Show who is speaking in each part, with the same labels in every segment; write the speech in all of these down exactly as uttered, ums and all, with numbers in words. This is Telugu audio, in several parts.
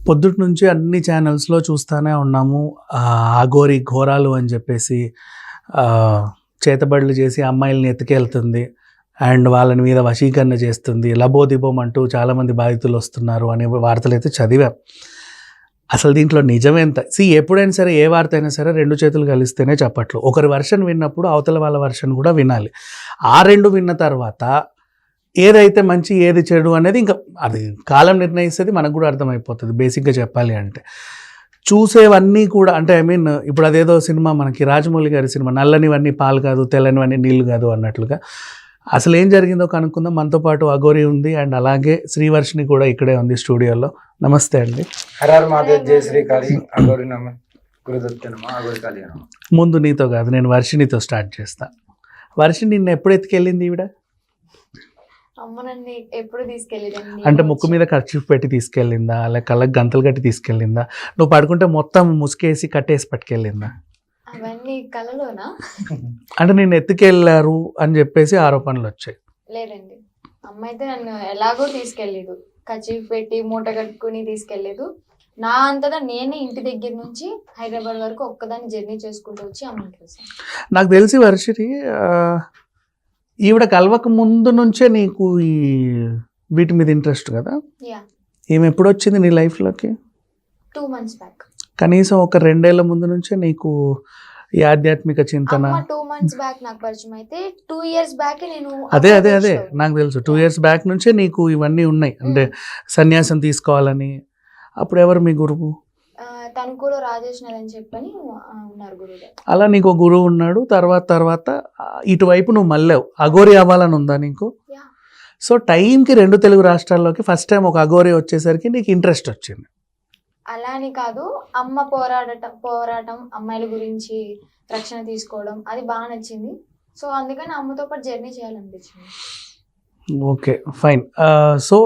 Speaker 1: పొద్దుటి నుంచి అన్ని ఛానల్స్లో చూస్తూనే ఉన్నాము. అఘోరి ఘోరాలు అని చెప్పేసి చేతబడులు చేసి అమ్మాయిల్ని ఎత్తుకెళ్తుంది అండ్ వాళ్ళని మీద వశీకరణ చేస్తుంది, లబోదిబోం అంటూ చాలామంది బాధితులు వస్తున్నారు అనే వార్తలు అయితే చదివాం. అసలు దీంట్లో నిజమేంత? సి ఎప్పుడైనా సరే ఏ వార్త అయినా సరే రెండు చేతులు కలిస్తేనే చెప్పట్లు. ఒకరి వర్షన్ విన్నప్పుడు అవతల వాళ్ళ వర్షన్ కూడా వినాలి. ఆ రెండు విన్న తర్వాత ఏదైతే మంచి ఏది చెడు అనేది ఇంకా అది కాలం నిర్ణయిస్తుంది, మనకు కూడా అర్థమైపోతుంది. బేసిక్గా చెప్పాలి అంటే చూసేవన్నీ కూడా అంటే ఐ మీన్ ఇప్పుడు అదేదో సినిమా మనకి రాజమౌళి గారి సినిమా నల్లనివన్నీ పాలు కాదు తెల్లనివన్నీ నీళ్ళు కాదు అన్నట్లుగా అసలు ఏం జరిగిందో కనుక్కుందాం. మనతో పాటు అఘోరి ఉంది అండ్ అలాగే శ్రీవర్షిని కూడా ఇక్కడే ఉంది స్టూడియోలో. నమస్తే అండి.
Speaker 2: హరర్ మాదేవ్ జయ శ్రీకాళి అఘోరి నమ గురుదత్తనమ అఘోరి కాళి నమ.
Speaker 1: ముందు నీతో కాదు, నేను వర్షినితో స్టార్ట్ చేస్తా. వర్షిని నిన్న ఎప్పుడు ఎత్తుకెళ్ళింది ఈవిడ?
Speaker 3: అమ్మ నన్ను ఎప్పుడు తీసుకెళ్ళింది
Speaker 1: అంటే ముక్కు మీద ఖర్చు పెట్టి తీసుకెళ్ళిందా, లేక కళ్ళకి గంతలు కట్టి తీసుకెళ్ళిందా, నువ్వు పడుకుంటే మొత్తం ముసుకేసి కట్టేసి పట్టుకెళ్ళిందా?
Speaker 3: అవన్నీ కలలోనా?
Speaker 1: అంటే నేను ఎత్తుకెళ్ళారు అని చెప్పేసి ఆరోపణలు వచ్చాయి.
Speaker 3: లేదండి, అమ్మ అయితే నన్ను ఎలాగో తీసుకెళ్ళలేదు, కచీఫ్ పెట్టి మూట కట్టుకుని తీసుకెళ్ళలేదు. నా అంతటా నేనే ఇంటి దగ్గర నుంచి హైదరాబాద్ వరకు ఒక్కదాన్ని జర్నీ చేసుకుంటూ వచ్చి అమ్మని చూసాను.
Speaker 1: నాకు తెలిసి వర్షిని ఈవిడ కలవక ముందు నుంచే నీకు ఈ వీటి మీద ఇంట్రెస్ట్ కదా?
Speaker 3: యా,
Speaker 1: ఈమె ఎప్పుడు వచ్చింది నీ లైఫ్లోకి?
Speaker 3: Two months back.
Speaker 1: కనీసం ఒక రెండేళ్ల ముందు నుంచే నీకు ఈ ఆధ్యాత్మిక చింతన?
Speaker 3: టూ మంత్స్ బ్యాక్ నాకు పరిచయం అయితే టూ ఇయర్స్ బ్యాక్ నేను
Speaker 1: అదే అదే అదే నాకు తెలుసు. టూ ఇయర్స్ బ్యాక్ నుంచే నీకు ఇవన్నీ ఉన్నాయి, అంటే సన్యాసం తీసుకోవాలని. అప్పుడు ఎవరు మీ గురువు?
Speaker 3: తణుకులో రాజేష్ అని చెప్పని ఉన్నారు గురువు.
Speaker 1: అలా నీకు ఒక గురువు ఉన్నాడు. తర్వాత తర్వాత ఇటువైపు నువ్వు మళ్ళావు. అఘోరి అవ్వాలని ఉందా నీకు? సో టైంకి రెండు తెలుగు రాష్ట్రాల్లోకి ఫస్ట్ టైం ఒక అఘోరి వచ్చేసరికి నీకు ఇంట్రెస్ట్ వచ్చింది.
Speaker 3: అలా అని కాదు, అమ్మ పోరాడటం పోరాటం అమ్మాయిల గురించి రక్షణ తీసుకోవడం అది బాగా నచ్చింది. సో అందుకని అమ్మతో పాటు జర్నీ చేయాలనిపించింది.
Speaker 1: Okay fine. సో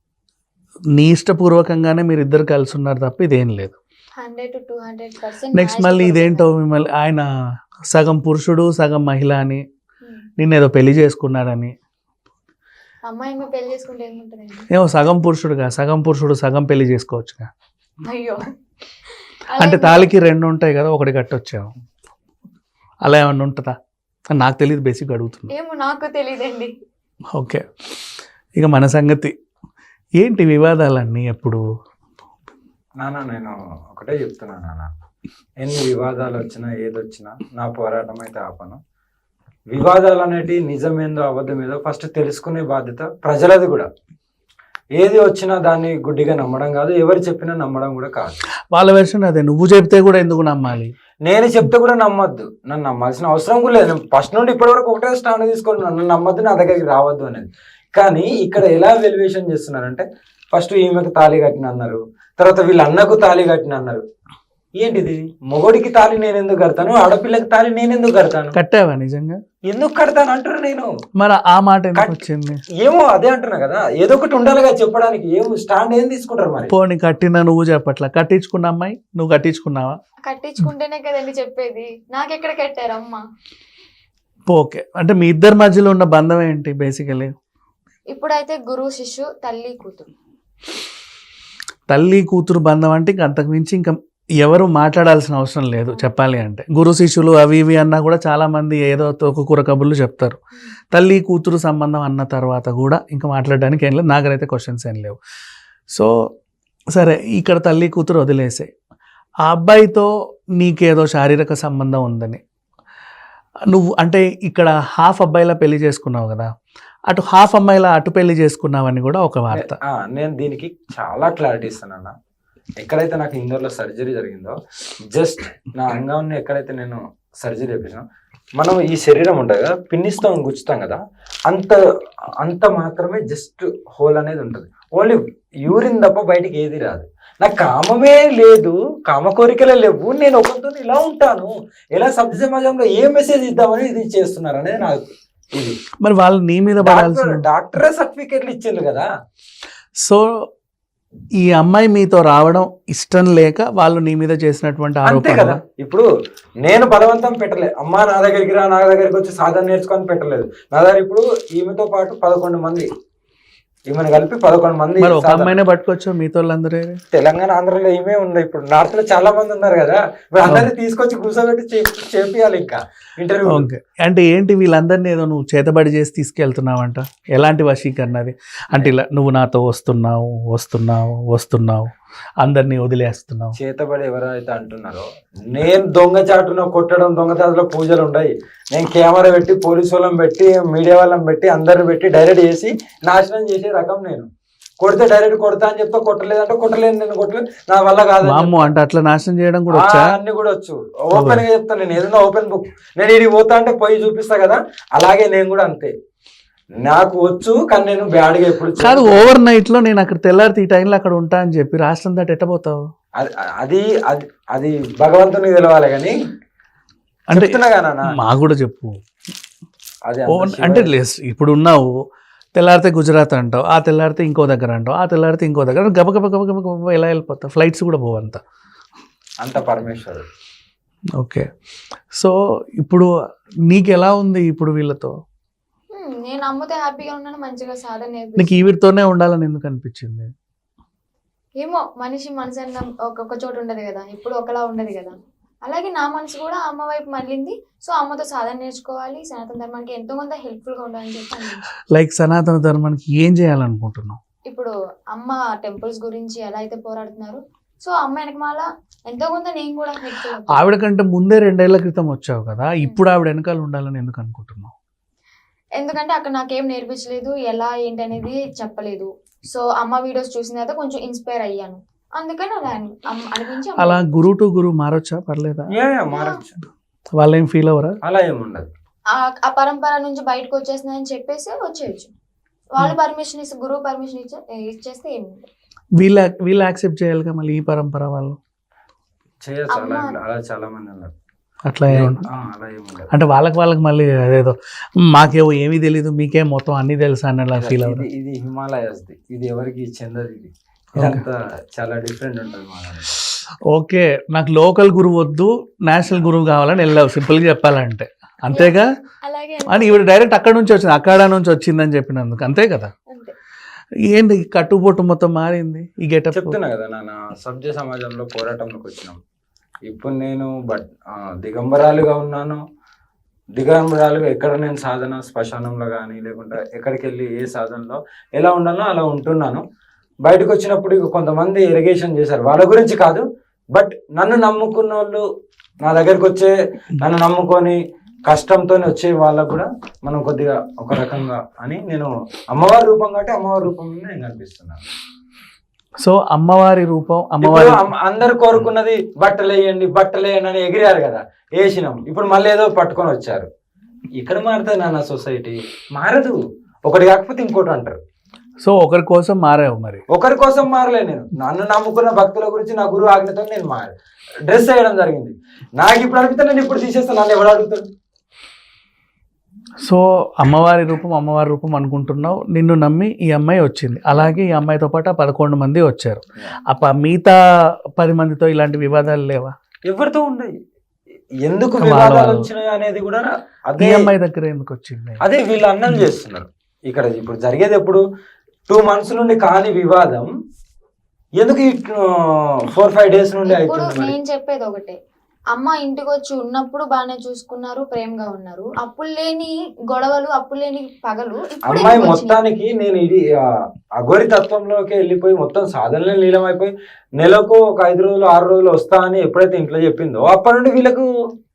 Speaker 1: నీ ఇష్టపూర్వకంగానే మీరు ఇద్దరు కలిసి ఉన్నారు తప్ప ఇదేం లేదు.
Speaker 3: Hundred to two hundred percent.
Speaker 1: Next మళ్ళీ ఇదేంటో మిమ్మల్ని ఆయన సగం పురుషుడు సగం మహిళ అని, నిన్నేదో పెళ్లి చేసుకున్నాడని.
Speaker 3: అమ్మాయి ఏమో పెళ్లి చేసుకుంటే ఏముంటుందండి?
Speaker 1: ఏమో సగం పురుషుడుగా సగం పురుషుడు సగం పెళ్లి చేసుకోవచ్చుగా.
Speaker 3: అయ్యో,
Speaker 1: అంటే తాళికి రెండు ఉంటాయి కదా, ఒకటి కట్టొచ్చావు. అలా ఏమన్నా ఉంటుందా? నాకు తెలియదు, బేసిక్ అడుగుతున్నా.
Speaker 3: ఏమో నాకు తెలియదండి.
Speaker 1: ఓకే, ఇక మన సంగతి ఏంటి? వివాదాలన్నీ ఎప్పుడు?
Speaker 2: నాన్న నేను ఒకటే చెప్తున్నా నాన్న, ఎన్ని వివాదాలు వచ్చినా ఏదొచ్చినా నా పోరాటం అయితే ఆపను. వివాదాలు అనేటివి నిజమేందో అబద్ధమేదో ఫస్ట్ తెలుసుకునే బాధ్యత ప్రజలది కూడా. ఏది వచ్చినా దాన్ని గుడ్డిగా నమ్మడం కాదు, ఎవరు చెప్పినా నమ్మడం కూడా కాదు.
Speaker 1: వాళ్ళ వెర్షన్ అదే, నువ్వు చెప్తే కూడా ఎందుకు నమ్మాలి?
Speaker 2: నేను చెప్తే కూడా నమ్మొద్దు, నన్ను నమ్మాల్సిన అవసరం కూడా లేదు. ఫస్ట్ నుండి ఇప్పటి వరకు ఒకటే స్టాండ్ తీసుకొని నన్ను నమ్మొద్దు, నా దగ్గరికి రావద్దు అనేది. కానీ ఇక్కడ ఎలా వెల్యువేషన్ చేస్తున్నారంటే ఫస్ట్ ఈమెకు తాళి కట్టిన అన్నారు, తర్వాత వీళ్ళ అన్నకు తాళి కట్టిన అన్నారు. ఏంటిది? మొగోడికి తాళి నేను ఎందుకు కడతాను, ఆడపిల్లకి తాళి నేను ఎందుకు కడతాను?
Speaker 1: కట్టావా నిజంగా?
Speaker 2: ఎందుకు కడతాను అంటారు. నేను
Speaker 1: మరి ఆ మాట ఎందుకు వచ్చింది?
Speaker 2: ఏమో అదే అంటున్నా కదా, ఏదో ఒకటి ఉండాలిగా చెప్పడానికి. ఏమో స్టాండ్ ఏం తీసుకుంటారు మరి?
Speaker 1: పోనీ కట్టినా నువ్వు చెప్పట్లా, కట్టించుకున్న అమ్మాయి నువ్వు కట్టించుకున్నావా?
Speaker 3: కట్టించుకుంటేనే కదండి చెప్పేది, నాకెక్కడ కట్టారు అమ్మ?
Speaker 1: ఓకే, అంటే మీ ఇద్దరి మధ్యలో ఉన్న బంధం ఏంటి బేసికలీ?
Speaker 3: ఇప్పుడైతే గురువు శిష్యు, తల్లి కూతురు.
Speaker 1: తల్లి కూతురు బంధం అంటే ఇంక అంతకు మించి ఇంకా ఎవరు మాట్లాడాల్సిన అవసరం లేదు చెప్పాలి అంటే. గురు శిష్యులు అవి ఇవి అన్నా కూడా చాలామంది ఏదో ఒక కూర కబుర్లు చెప్తారు. తల్లి కూతురు సంబంధం అన్న తర్వాత కూడా ఇంకా మాట్లాడడానికి ఏం లేదు, నాకైతే క్వశ్చన్స్ ఏం లేవు. సో సరే, ఇక్కడ తల్లి కూతురు వదిలేసాయి. ఆ అబ్బాయితో నీకేదో శారీరక సంబంధం ఉందని నువ్వు అంటే ఇక్కడ హాఫ్ అబ్బాయిలా పెళ్లి చేసుకున్నావు కదా, అటు హాఫ్ అమ్మాయిలా అటు పెళ్లి చేసుకున్నావని కూడా ఒక వార్త.
Speaker 2: నేను దీనికి చాలా క్లారిటీ ఇస్తానన్నా. ఎక్కడైతే నాకు ఇందోర్లో సర్జరీ జరిగిందో, జస్ట్ నా అంగాన్ని ఎక్కడైతే నేను సర్జరీ చేపించాను, మనం ఈ శరీరం ఉంటుంది కదా, పిన్నిస్తాం గుచ్చుతాం కదా, అంత అంత మాత్రమే జస్ట్ హోల్ అనేది ఉంటుంది. ఓన్లీ యూరిన్ తప్ప బయటికి ఏది రాదు. నాకు కామమే లేదు, కామ కోరికలే లేవు, నేను ఒకరితో ఇలా ఉంటాను, ఎలా సభ్య సమాజంలో ఏ మెసేజ్ ఇద్దామని ఇది చేస్తున్నారు అనేది నాకు ఇది.
Speaker 1: మరి వాళ్ళు నీ మీద
Speaker 2: డాక్టరే సర్టిఫికేట్లు ఇచ్చిండ్రు కదా.
Speaker 1: సో ఈ అమ్మాయి మీతో రావడం ఇష్టం లేక వాళ్ళు నీ మీద చేసినటువంటి ఆరోపణ
Speaker 2: కదా. ఇప్పుడు నేను బలవంతం పెట్టలేదు, అమ్మా నా దగ్గరికి రా, నా దగ్గరికి వచ్చి సాధన నేర్చుకొని పెట్టలేదు. నా దగ్గర ఇప్పుడు ఈమెతో పాటు పదకొండు మంది ఈమెను కలిపి పదకొండు మంది
Speaker 1: మరి ఒక
Speaker 2: సాధన.
Speaker 1: అమ్మాయినే పట్టుకోవచ్చు మిగతా వాళ్ళందరూ
Speaker 2: తెలంగాణ ఆంధ్రలో ఏమే ఉంది, ఇప్పుడు నార్త్ లో చాలా మంది ఉన్నారు కదా, ఇప్పుడు అందరినీ తీసుకొచ్చి కూర్చోబెట్టి చే- చేపియాలి ఇంకా ఇంటర్వ్యూ.
Speaker 1: ఓకే. అంటే ఏంటి వీళ్ళందరినీ ఏదో నువ్వు చేతబడి చేసి తీసుకెళ్తున్నావంట, ఎలాంటి వశీకరణ అది? అంటే ఇలా నువ్వు నాతో వస్తున్నావు వస్తున్నావు వస్తున్నావు అందరినీ వదిలేస్తున్నావు.
Speaker 2: చేతబడి ఎవరైతే అంటున్నారో, నేను దొంగచాటున కొట్టడం, దొంగచాటులో పూజలు ఉన్నాయి, నేను కెమెరా పెట్టి పోలీసు వాళ్ళని పెట్టి మీడియా వాళ్ళని పెట్టి అందరిని పెట్టి డైరెక్ట్ చేసి నాశనం చేసే రకం నేను. కొడితే డైరెక్ట్ కొడతా అని చెప్తా, కొట్టలేదంటే కొట్టలేదు, నేను కొట్టలేదు, నా వల్ల కాదు.
Speaker 1: అమ్మో, అంటే అట్లా నాశనం చేయడం కూడా వచ్చా?
Speaker 2: అన్ని కూడా వచ్చు, ఓపెన్ గా చెప్తాను నేను, ఏదైనా ఓపెన్ బుక్. నేను ఇది పోతా అంటే పోయి చూపిస్తా కదా, అలాగే నేను కూడా అంతే, నాకు వచ్చు. కానీ నేను బ్యాడ్ గా ఎప్పుడు
Speaker 1: కాదు, ఓవర్ నైట్ లో నేను అక్కడ తెల్లారితే ఈ టైంలో అక్కడ ఉంటా అని చెప్పి రాష్ట్రం దాటి ఎట్టబోతావు?
Speaker 2: అది అది అది అది భగవంతునికి తెలవాలి కానీ
Speaker 1: అంటే
Speaker 2: చెప్తున్నా కదా నాన్న.
Speaker 1: మాకు కూడా చెప్పు.
Speaker 2: అది
Speaker 1: ఓవర్ అంటే లేస్ ఇప్పుడు ఉన్నావు, తెల్లారితే గుజరాత్ అంటావు, ఆ తెల్లారితే ఇంకో దగ్గర అంటావు, ఆ తెల్లారితే ఇంకో దగ్గర, గబ గబ గబ గబ గబ ఎలా వెళ్ళిపోతావు? ఫ్లైట్స్ కూడా పోవంత.
Speaker 2: అంత పరమేశ్వరుడు.
Speaker 1: ఓకే. సో ఇప్పుడు నీకు ఎలా ఉంది ఇప్పుడు వీళ్ళతో?
Speaker 3: హ్మ్, నేను అమ్మతో హ్యాపీగా ఉన్నాను, మంచిగా సాధన
Speaker 1: నీకు
Speaker 3: నేర్పిస్తాను.
Speaker 1: ఈవిడితోనే ఉండాలని ఎందుకు అనిపించింది?
Speaker 3: ఏమో మనిషి మనసు అన్న ఒక్కొక్క చోట ఉండదు కదా, ఇప్పుడు ఒకలా ఉండదు కదా. అలాగే నా మనసు కూడా అమ్మ వైపు మళ్ళింది. సో అమ్మతో సాధన నేర్చుకోవాలి, సనాతన ధర్మానికి ఎంతో కొంత హెల్ప్ఫుల్ గా ఉండాలని చెప్పి అనిపించింది.
Speaker 1: లైక్ సనాతన ధర్మానికి ఏం చేయాలనుకుంటున్నావు?
Speaker 3: ఇప్పుడు అమ్మ టెంపుల్స్ గురించి ఎలా అయితే పోరాడుతున్నారు, సో అమ్మ వెనకమాల ఎంతో కొంత నేను కూడా హెల్ప్ఫుల్ అవుతాను.
Speaker 1: ఆవిడ కంటే ముందే రెండేళ్ల క్రితం వచ్చావు కదా, ఇప్పుడు ఆవిడ వెనకాల ఉండాలని ఎందుకు అనుకుంటున్నావు?
Speaker 3: ఎందుకంటే అక్కడ నాకేం నేర్పించలేదు, ఎలా ఏంటి అనేది చెప్పలేదు. సో అమ్మ వీడియోస్ చూసిన తర్వాత కొంచెం ఇన్స్పైర్ అయ్యాను, అందుకని అలా అని- అమ్మ- అనిపించి అమ్మ
Speaker 1: అలా గురు టు గురు మారొచ్చా? పర్లేదా?
Speaker 2: ఏ మారచ్చు,
Speaker 1: వాళ్ళు ఏం ఫీల్ అవ్వరా?
Speaker 2: అలా ఏముండదు.
Speaker 3: ఆ- ఆ పరంపర నుంచి బయటకు వచ్చేసిందని చెప్పేసి వచ్చేయచ్చు. వాళ్ళు పర్మిషన్ ఇస్తే, గురువు పర్మిషన్ ఇచ్చే ఇచ్చేస్తే ఏమి ఉండదు.
Speaker 1: వీళ్ళ వీళ్ళు యాక్సెప్ట్ చేయాలిగా మళ్ళీ ఈ పరంపర వాళ్ళు.
Speaker 2: చేయొచ్చు, అలా
Speaker 3: అమ్మ-
Speaker 2: అలా చాలా మంది ఉన్నారు.
Speaker 1: అట్లా ఏం-
Speaker 2: ఆ, అలా ఏముండదు.
Speaker 1: అంటే వాళ్ళకి వాళ్ళకి మళ్ళీ అదేదో మాకేమో ఏమీ తెలీదు మీకేం మొత్తం అన్ని తెలుసా అని అలా ఫీల్
Speaker 2: ఇది
Speaker 1: అవ్వరు.
Speaker 2: ఇది హిమాలయస్ ది, ఇది ఎవరికి చెందదు. ఇది ఇదంతా చాలా డిఫరెంట్ ఉంటుంది మా దాంట్లో.
Speaker 1: ఓకే, నాకు లోకల్ గురువు వద్దు, నేషనల్ గురువు కావాలని వెళ్ళావు, సింపుల్గా చెప్పాలంటే అంతేగా?
Speaker 3: అలాగే
Speaker 1: అని ఇవి డైరెక్ట్ అక్కడ నుంచి వచ్చింది, అక్కడ నుంచి వచ్చిందని చెప్పినందుకు అంతే కదా?
Speaker 3: అంతే.
Speaker 1: ఏంటి కట్టుబొట్టు మొత్తం మారింది ఈ గెటప్?
Speaker 2: చెప్తున్నా కదా నాన్న, సభ్య సమాజంలో పోరాటంలోకి వచ్చినాం. ఇప్పుడు నేను బట్ ఆ, దిగంబరాలుగా ఉన్నాను. దిగంబరాలుగా ఎక్కడ నేను సాధన శ్మశానంలో కానీ లేకుంటే ఎక్కడికి వెళ్ళి ఏ సాధనలో ఎలా ఉండాలో అలా ఉంటున్నాను. బయటకు వచ్చినప్పుడు ఇక కొంతమంది ఎరిగేషన్ చేశారు, వాళ్ళ గురించి కాదు, బట్ నన్ను నమ్ముకున్న వాళ్ళు, నా దగ్గరికి వచ్చే నన్ను నమ్ముకొని కష్టంతో వచ్చే వాళ్ళకు కూడా మనం కొద్దిగా ఒక రకంగా అని నేను అమ్మవారి రూపం కాబట్టి అమ్మవారి రూపంలో నేను కనిపిస్తున్నాను.
Speaker 1: సో అమ్మవారి రూపం,
Speaker 2: ఇప్పుడు
Speaker 1: అమ్మవారి
Speaker 2: అమ్మ- అందరు కోరుకున్నది బట్టలు వేయండి బట్టలు వేయండి అని ఎగిరారు కదా, వేసినాం. ఇప్పుడు మళ్ళీ ఏదో పట్టుకొని వచ్చారు. ఇక్కడ మారుతుంది నాన్న సొసైటీ, మారదు. ఒకటి కాకపోతే ఇంకోటి అంటారు.
Speaker 1: సో ఒకరి కోసం మారావు మరి.
Speaker 2: ఒకరి కోసం మారలే నేను, నన్ను నమ్ముకున్న భక్తుల గురించి నా గురువు ఆజ్ఞతో నేను మారు డ్రెస్ వేయడం జరిగింది. నాకు ఇప్పుడు అడిగితే నేను ఇప్పుడు తీసేస్తాను, నన్ను ఎవడు అడుగుతాడు?
Speaker 1: సో అమ్మవారి రూపం అమ్మవారి రూపం అనుకుంటున్నావు, నిన్ను నమ్మి ఈ అమ్మాయి వచ్చింది, అలాగే ఈ అమ్మాయితో పాటు ఆ పదకొండు మంది వచ్చారు. అప్ప మిగతా పది మందితో ఇలాంటి వివాదాలు లేవా?
Speaker 2: ఎవరితో ఉండయి, ఎందుకు
Speaker 1: వాళ్ళ
Speaker 2: వివాదాలు
Speaker 1: వాళ్ళు.
Speaker 2: వచ్చినాయి అనేది కూడా
Speaker 1: ఈ
Speaker 2: అదే
Speaker 1: అమ్మాయి దగ్గర ఎందుకు వచ్చింది?
Speaker 2: అదే వీళ్ళు అన్నం చేస్తున్నారు. ఇక్కడ ఇప్పుడు జరిగేది ఎప్పుడు టూ మంత్స్ నుండి కాని వివాదం ఎందుకు ఫోర్ ఫైవ్ డేస్ నుండి
Speaker 3: ఇప్పుడు
Speaker 2: అవుతుంది మరి?
Speaker 3: నేను చెప్పేది ఒకటే, అమ్మ ఇంటికి వచ్చి ఉన్నప్పుడు బాగానే చూసుకున్నారు, ప్రేమగా ఉన్నారు. అప్పులు లేని గొడవలు, అప్పులు లేని పగలు ఇప్పుడు
Speaker 2: అమ్మాయి
Speaker 3: ఎందుకు వచ్చినాయి?
Speaker 2: మొత్తానికి నేను ఇది ఆ, అఘోరి తత్వంలోకి వెళ్ళిపోయి మొత్తం సాధనలో లీలమైపోయి నెలకు ఒక ఐదు రోజులు ఆరు రోజులు వస్తా అని ఎప్పుడైతే ఇంట్లో చెప్పిందో అప్పటి నుండి వీళ్ళకు